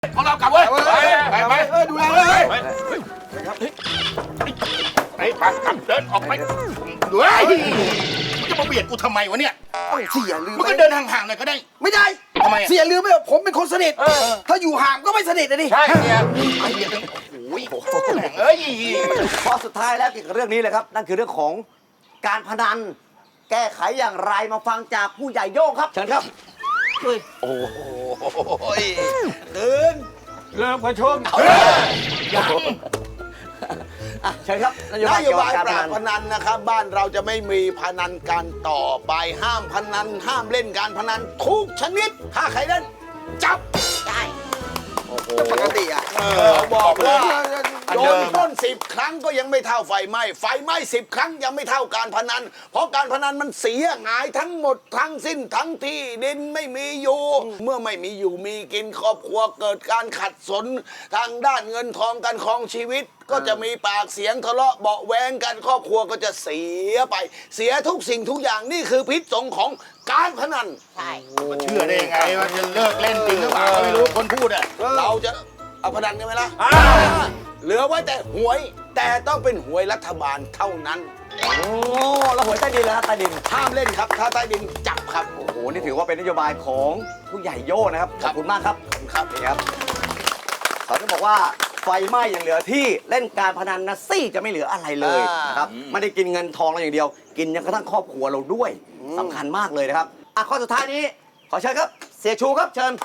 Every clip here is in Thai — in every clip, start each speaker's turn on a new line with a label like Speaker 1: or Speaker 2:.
Speaker 1: ของเรากลับเว้ยไป
Speaker 2: ดูแลเลย
Speaker 1: ไปกลับเดินออกไปด้วยมึงจะมาเบียดกูทำไมวะเนี่ย
Speaker 2: เสียลืม
Speaker 1: มึงก็เดินห่างๆหน่อยก็ได้
Speaker 2: ไม่ได้
Speaker 1: ทำไมอะ
Speaker 2: เสียลืมไปว่าผมเป็นคนสนิทถ้าอยู่ห่างก็ไม่สนิทนะดิ
Speaker 1: ใช่เนี่ยไอ้เบียดโอ้ยแม่งเอ้ย
Speaker 3: ข้อสุดท้ายแล้วเกี่ยวกับเรื่องนี้เลยครับ นั่นคือเรื่องของการพนัน แก้ไขอย่างไรมาฟังจากผู้ใหญ่โย่งครับเชิญครับ
Speaker 1: โอ้ย
Speaker 3: ตื่น
Speaker 1: เริ่มประชม
Speaker 3: เชิญครับนโย
Speaker 4: น
Speaker 3: บาย
Speaker 4: โย
Speaker 3: เกี่ยวกั
Speaker 4: บา
Speaker 3: บ
Speaker 4: ย
Speaker 3: การ
Speaker 4: ป
Speaker 3: พ
Speaker 4: รา
Speaker 3: นั
Speaker 4: บ
Speaker 3: น
Speaker 4: พนันนะครับ บ้านเราจะไม่มีพนันการต่อไปห้ามพนันห้ามเล่นการพนันทุกชนิดถ้าใครเล่นจับได้
Speaker 2: ปกติอ่ะ
Speaker 4: บอกว่า
Speaker 1: อัน
Speaker 4: โด
Speaker 1: เดิ
Speaker 4: น
Speaker 1: ม
Speaker 4: ปล้น10 ครั้งก็ยังไม่เท่าไฟไหม้ไฟไหม้10 ครั้งยังไม่เท่าการพนัน เพราะการพนันมันเสียหายทั้งหมดทั้งสิ้นทั้งที่ดินไม่มีอยู่ เมื่อไม่มีอยู่มีกินครอบครัวเกิดการขัดสนทางด้านเงินทองการครองชีวิต ก็จะมีปากเสียงทะเลาะเบาะแวงกันครอบครัวก็จะเสียไป เสียทุกสิ่งทุกอย่างนี่คือพิษสงของการพนัน
Speaker 1: มาเชื่อได้ยังไงว่าจะเลิกเล่นจริงหรือเปล่าก็ไม่รู้คนพูดอ่ะ
Speaker 4: เราจะเอาพนันกันไหมล่ะเหลือไว้แต่หวย แต่ต้องเป็นหวยรัฐบาลเท่านั้น
Speaker 3: โอ้แล้วหวยใต้ดินแล้วครับใต้ดิน
Speaker 4: ห้ามเล่นครับ ถ้าใต้ดินจับครับ
Speaker 3: โอ้โห นี่ถือว่าเป็นนโยบายของผู้ใหญ่โย่นะครับ ขอบคุณมากครับ
Speaker 4: ครับ
Speaker 3: นี่ครับเขาจะบอกว่าไฟไหม้อย่างเหลือที่เล่นการพนันนะซี่จะไม่เหลืออะไรเลยนะครับ ไม่ได้กินเงินทองเราอย่างเดียว กินยังกระทั่งครอบครัวเราด้วยสำคัญมากเลยนะครับข้อสุดท้ายนี้ขอเชิญครับ เสียชูครับเชิญ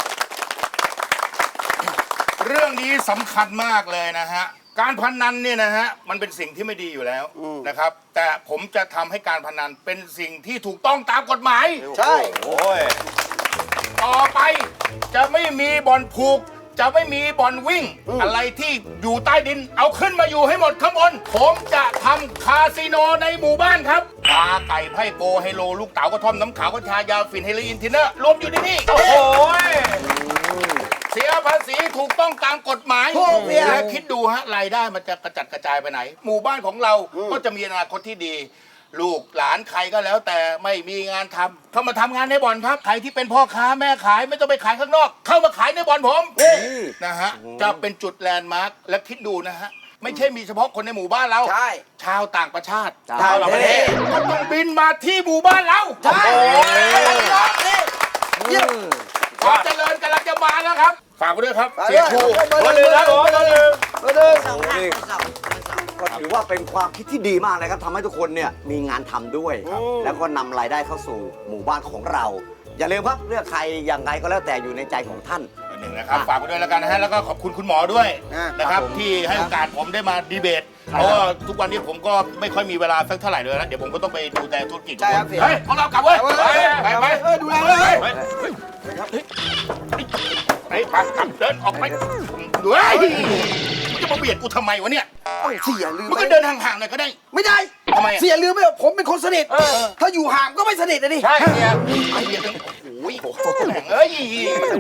Speaker 1: เรื่องนี้สำคัญมากเลยนะฮะ การพนันเนี่ยนะฮะมันเป็นสิ่งที่ไม่ดีอยู่แล้วนะครับ แต่ผมจะทำให้การพนันเป็นสิ่งที่ถูกต้องตามกฎหมาย
Speaker 4: ใช่
Speaker 1: โอ้ยต่อไปจะไม่มีบ่อนผูก จะไม่มีบ่อนวิ่ง อะไรที่อยู่ใต้ดิน เอาขึ้นมาอยู่ให้หมดข้างบน ผมจะทำคาสิโนในหมู่บ้านครับปลาไก่ไพ่โกไฮโลลูกเต๋ากระท่อมน้ำขาวกัญชายาฝิ่นเฮโรอีนทินเนอร์รวมอยู่ในนี่โอ้โหเสียภาษีถูกต้องตามกฎหมาย
Speaker 2: ถูกเนี่ย
Speaker 1: และคิดดูฮะรายได้มันจะกระจัดกระจายไปไหน หมู่บ้านของเราก็จะมีอนาคตที่ดี ลูกหลานใครก็แล้วแต่ไม่มีงานทำเข้ามาทำงานในบ่อนครับใครที่เป็นพ่อค้าแม่ขายไม่ต้องไปขายข้างนอก เข้ามาขายในบ่อนผมนะฮะจะเป็นจุดแลนด์มาร์คและคิดดูนะฮะไม่ใช่มีเฉพาะคนในหมู่บ้านเรา
Speaker 2: ใช่
Speaker 1: ชาวต่างประเทศ
Speaker 3: ชาวต่างประเทศ
Speaker 1: ก็ต้องบินมาที่หมู่บ้านเรา
Speaker 2: ใช่
Speaker 1: โอ้ย
Speaker 2: เยี่ยม
Speaker 1: ความเจริญกำลังจะมาแล้วครับฝากไว้ด้วยครับ
Speaker 2: ฝาก
Speaker 1: เสียครู
Speaker 2: ด้วย
Speaker 1: มาเลยนะผมมาเลย
Speaker 2: มาเลย
Speaker 3: นี่ก็ถือว่าเป็นความคิดที่ดีมากนะครับทำให้ทุกคนเนี่ยมีงานทำด้วย แล้วก็นำรายได้เข้าสู่หมู่บ้านของเรา อย่าลืมครับเลือกใครอย่างไรก็แล้วแต่อยู่ในใจของท่าน
Speaker 1: หนึ่งนะครับฝากไว้ด้วยแล้วกันนะฮะแล้วก็ขอบคุณคุณหมอด้วยนะครับที่ให้โอกาสผมได้มาดีเบตเพราะว่าทุกวันนี้ผมก็ไม่ค่อยมีเวลาสักเท่าไหร่เลยนะเดี๋ยวผมก็ต้องไปดูแลธุรกิจ
Speaker 2: ใช่ครับเสีย
Speaker 1: เฮ้ยของเรากลับเว้ยไป
Speaker 2: ดูแลเลย
Speaker 1: ไปกลับเดินออกไปด้วยมึงจะมาเบียดกูทำไมวะเนี่ย
Speaker 2: เสียลืม
Speaker 1: มึงก็เดินห่างๆหน่อยก็ได้
Speaker 2: ไม่ได้
Speaker 1: ทำไมอะ
Speaker 2: เสียลืมไปว่าผมเป็นคนสนิทถ้าอยู่ห่างก็ไม่สนิทนะดิ
Speaker 1: ใช่เนี่ยไอ้เบียดโอ้ยแม่งเอ้ย